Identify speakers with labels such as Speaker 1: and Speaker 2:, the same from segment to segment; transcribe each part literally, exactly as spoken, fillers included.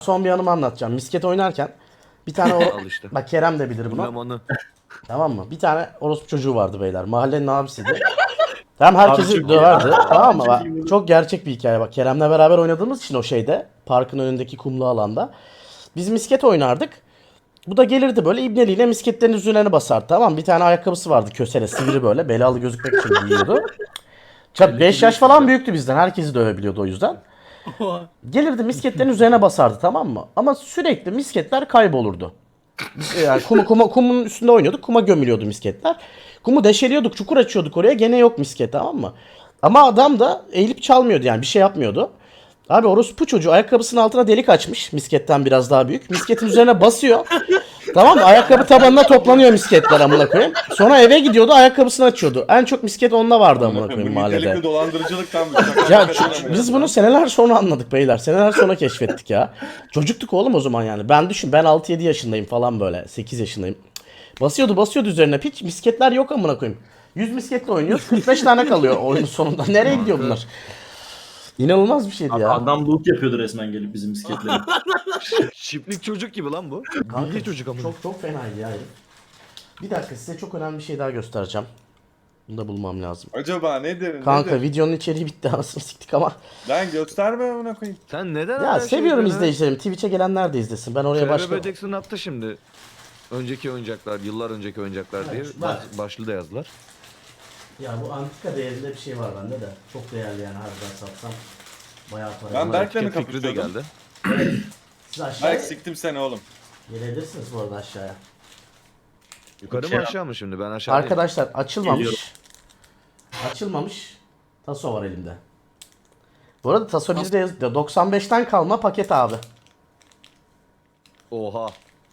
Speaker 1: Son bir anımı anlatacağım. Misket oynarken bir tane o...
Speaker 2: Al işte.
Speaker 1: Bak Kerem de bilir bunu.
Speaker 2: Zamanı.
Speaker 1: Tamam mı? Bir tane orospu çocuğu vardı beyler. Mahallenin abisiydi. Tamam herkesi
Speaker 3: Abi çok
Speaker 1: döverdi.
Speaker 3: iyi.
Speaker 1: Tamam mı?
Speaker 3: Çok
Speaker 1: Bak,
Speaker 3: iyi bu.
Speaker 1: çok gerçek bir hikaye bak. Kerem'le beraber oynadığımız için o şeyde. Parkın önündeki kumlu alanda. Biz misket oynardık. Bu da gelirdi böyle ibneliyle misketlerin üzerine basardı, tamam mı? Bir tane ayakkabısı vardı kösele sivri böyle. Belalı gözükmek için giyiyordu. beş yaş falan büyüktü bizden. Herkesi dövebiliyordu o yüzden. Gelirdi misketlerin üzerine basardı, tamam mı? Ama sürekli misketler kaybolurdu. Biz, yani kumu, kuma, kumun üstünde oynuyorduk. Kuma gömülüyordu misketler. Kumu deşeliyorduk, çukur açıyorduk oraya. Gene yok misket, tamam mı? Ama adam da eğilip çalmıyordu, yani bir şey yapmıyordu. Abi orospu çocuğu ayakkabısının altına delik açmış. Misketten biraz daha büyük. Misketin üzerine basıyor. Tamam mı? Ayakkabı tabanına toplanıyor misketler amına koyayım. Sonra eve gidiyordu, ayakkabısını açıyordu. En çok misket onda vardı amına koyayım
Speaker 3: Bu nitelikli
Speaker 1: mahallede.
Speaker 3: dolandırıcılıktan bu.
Speaker 1: Ya ç- biz bunu seneler sonra anladık beyler. Seneler sonra keşfettik ya. Çocuktuk oğlum o zaman yani. Ben düşün, ben altı yedi yaşındayım falan böyle. sekiz yaşındayım. Basıyordu basıyordu üzerine piç. Misketler yok amına koyayım. yüz misketle oynuyoruz. kırk beş tane kalıyor oyunun sonunda. Nereye gidiyor bunlar? İnanılmaz bir şeydi ya.
Speaker 4: Adam loot yapıyordu resmen gelip bizim misketleri.
Speaker 2: Çiftlik çocuk gibi lan bu. Bilgi çocuk ama.
Speaker 1: Çok çok fenaydı ya. herif. Bir dakika, size çok önemli bir şey daha göstereceğim. Bunu da bulmam lazım.
Speaker 3: Acaba nedir?
Speaker 1: Kanka
Speaker 3: nedir?
Speaker 1: videonun içeriği bitti, anasını siktik ama.
Speaker 3: Lan gösterme amına koyayım.
Speaker 2: Sen neden
Speaker 1: Ya
Speaker 2: her şeyi
Speaker 1: seviyorum
Speaker 2: böyle-
Speaker 1: izleyicilerim. Twitch'e gelenler de izlesin. Ben oraya
Speaker 2: Trevor
Speaker 1: başlıyorum.
Speaker 2: Jackson attı şimdi. Önceki oyuncaklar, yıllar önceki oyuncaklar diye
Speaker 1: Evet,
Speaker 2: baş,
Speaker 1: bak.
Speaker 2: başlığı da yazdılar.
Speaker 1: Ya bu antika değerinde bir şey var bende de. Çok değerli yani, harbiden satsam. Bayağı para.
Speaker 3: Ben
Speaker 1: Ama
Speaker 3: Berk'le mi
Speaker 2: Etiket fikri de
Speaker 3: kapışıyordum?
Speaker 2: geldi.
Speaker 1: Siz aşağıya
Speaker 3: Berk siktim seni oğlum.
Speaker 1: gelebilirsiniz bu arada aşağıya.
Speaker 2: Yukarı
Speaker 4: Şey-
Speaker 2: mı aşağı mı şimdi? Ben aşağıdayım.
Speaker 1: Arkadaşlar açılmamış.
Speaker 4: Geliyorum.
Speaker 1: Açılmamış. Taso var elimde. Bu arada Taso bizde yazıyor. doksan beşten kalma paket abi.
Speaker 2: Oha.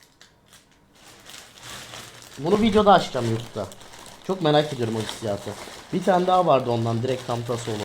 Speaker 1: Bunu videoda açacağım YouTube'da. Çok merak ediyorum o hissiyatı. Bir tane daha vardı ondan, direkt tam Taso olan.